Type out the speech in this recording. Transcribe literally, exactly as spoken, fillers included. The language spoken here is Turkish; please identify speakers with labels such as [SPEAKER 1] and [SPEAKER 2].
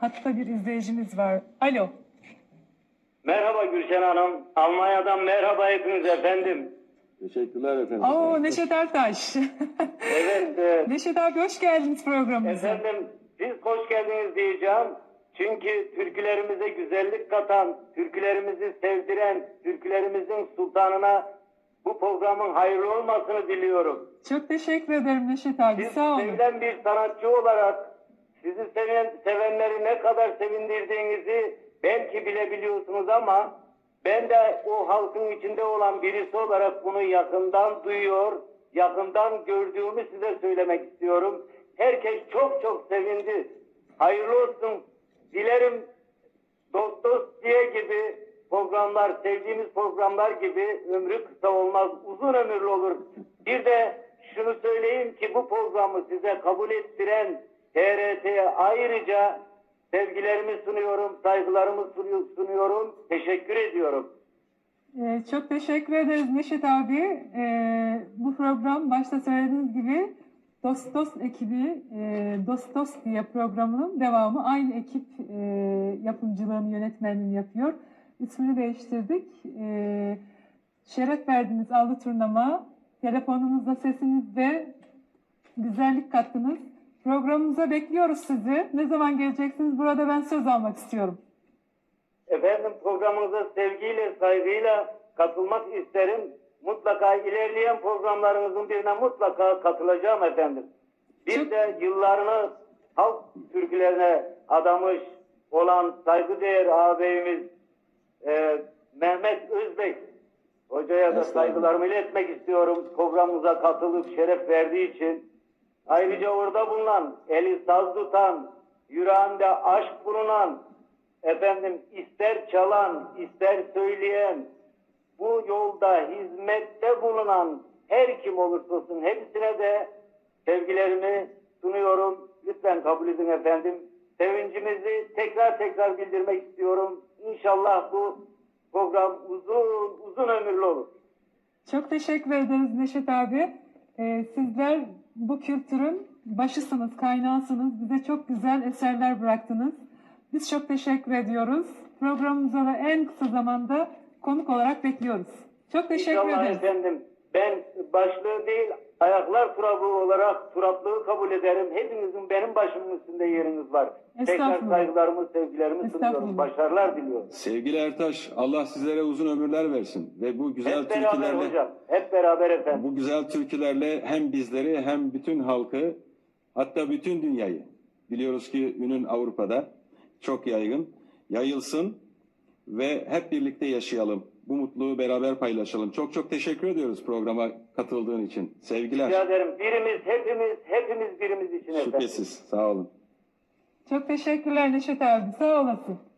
[SPEAKER 1] Hatta bir izleyicimiz var. Alo.
[SPEAKER 2] Merhaba Gülşen Hanım. Almanya'dan merhaba hepiniz efendim.
[SPEAKER 3] Teşekkürler efendim.
[SPEAKER 1] Oo, Neşet Ertaş.
[SPEAKER 2] Evet. E,
[SPEAKER 1] Neşet abi hoş geldiniz programımıza.
[SPEAKER 2] efendim siz hoş geldiniz diyeceğim. Çünkü türkülerimize güzellik katan, türkülerimizi sevdiren, türkülerimizin sultanına bu programın hayırlı olmasını diliyorum.
[SPEAKER 1] Çok teşekkür ederim Neşet abi.
[SPEAKER 2] Siz
[SPEAKER 1] Sağ olun.
[SPEAKER 2] sevilen bir sanatçı olarak sizi seven, sevenleri ne kadar sevindirdiğinizi belki bilebiliyorsunuz ama ben de o halkın içinde olan birisi olarak bunu yakından duyuyor, yakından gördüğümü size söylemek istiyorum. Herkes çok çok sevindi. Hayırlı olsun. Dilerim dost dost diye gibi programlar, sevdiğimiz programlar gibi ömrü kısa olmaz, uzun ömürlü olur. Bir de şunu söyleyeyim ki bu programı size kabul ettiren T R T'ye ayrıca sevgilerimi sunuyorum, saygılarımı sunuyorum, teşekkür ediyorum.
[SPEAKER 1] Ee, çok teşekkür ederiz Neşet abi. Ee, bu program başta söylediğiniz gibi Dost Dost ekibi, e, Dost Dost diye programının devamı. Aynı ekip e, yapımcılığını, yönetmenliğini yapıyor. İsmini değiştirdik. E, şeref verdiniz Allı Turnama. Telefonunuzda, sesinizde güzellik kattınız. Programımıza bekliyoruz sizi. Ne zaman geleceksiniz? Burada ben söz almak istiyorum.
[SPEAKER 2] Efendim programınıza sevgiyle, saygıyla katılmak isterim. Mutlaka ilerleyen programlarınızın birine mutlaka katılacağım efendim. Bir de yıllarını halk türkülerine adamış olan saygıdeğer ağabeyimiz e, Mehmet Özbek hocaya da saygılarımı iletmek istiyorum. Programımıza katılıp şeref verdiği için. Ayrıca orada bulunan, eli saz tutan, yüreğinde aşk bulunan, efendim ister çalan, ister söyleyen, bu yolda hizmette bulunan her kim olursa olsun hepsine de sevgilerimi sunuyorum. Lütfen kabul edin efendim. Sevincimizi tekrar tekrar bildirmek istiyorum. İnşallah bu program uzun uzun ömürlü olur.
[SPEAKER 1] Çok teşekkür ederiz Neşet abi. Ee, sizler bu kültürün başısınız, kaynağısınız. Bize çok güzel eserler bıraktınız. Biz çok teşekkür ediyoruz. Programımıza da en kısa zamanda konuk olarak bekliyoruz. Çok teşekkür
[SPEAKER 2] İnşallah
[SPEAKER 1] ederiz.
[SPEAKER 2] efendim. Ben başlığı değil, ayaklar turabı olarak turaplığı kabul ederim. Hepinizin benim başımın üstünde yeriniz var. Tekrar saygılarımı, sevgilerimi sunuyorum. Başarılar diliyorum.
[SPEAKER 3] Sevgili Ertaş, Allah sizlere uzun ömürler versin ve bu güzel
[SPEAKER 2] Hep beraber
[SPEAKER 3] türkülerle
[SPEAKER 2] hocam. Hep beraber efendim.
[SPEAKER 3] bu güzel türkülerle hem bizleri hem bütün halkı, hatta bütün dünyayı, biliyoruz ki ünün Avrupa'da çok yaygın, yayılsın ve hep birlikte yaşayalım. Bu mutluluğu beraber paylaşalım. Çok çok teşekkür ediyoruz programa katıldığın için. Sevgiler.
[SPEAKER 2] Rica ederim. Birimiz, hepimiz, hepimiz birimiz için efendim.
[SPEAKER 3] Şüphesiz. Sağ olun.
[SPEAKER 1] Çok teşekkürler Neşet abi. Sağ olasın.